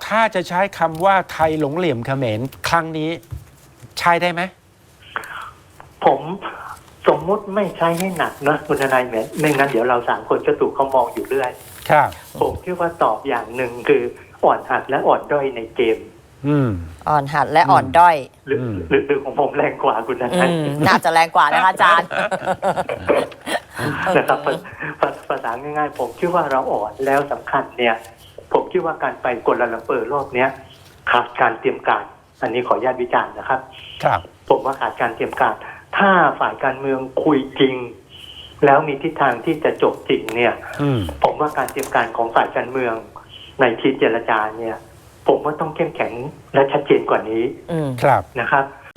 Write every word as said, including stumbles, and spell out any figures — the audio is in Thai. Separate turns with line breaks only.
ถ้าจะใช้คำว่าไทยหลงเหลี่ยมเขมรครั้งนี้ใช้ได้ไหม
ผมสมมุติไม่ใช้ให้หนักนะคุณทนายแหมไม่งั้นเดี๋ยวเราสามคนจะถูกเขามองอยู่เรื่อย
ครับ
ผมคิดว่าตอบอย่างหนึ่งคืออ่อนหัดและอ่อนด้อยในเกม
อืม
อ่อนหัดและอ่อนด้อย
หรือหรือหรือของผมแรงกว่าคุณทนาย
น่าจะแรงกว่านะคะอาจารย์
นะครับภาษาง่ายๆผมคิดว่าเราอ่อนแล้วสำคัญเนี่ยผมคิดว่าการไปกัวลาลัมเปอร์รอบเนี้ยขาดการเตรียมการอันนี้ขออนุญาตวิจารณ์นะครับ
ครับ
ผมว่าขาดการเตรียมการถ้าฝ่ายการเมืองคุยจริงแล้วมีทิศทางที่จะจบจริงเนี่ยผมว่าการเตรียมการของฝ่ายการเมืองในทีมเจรจาเนี่ยผมว่าต้องเข้มแข็งและชัดเจนกว่านี้
ครับ
นะครับ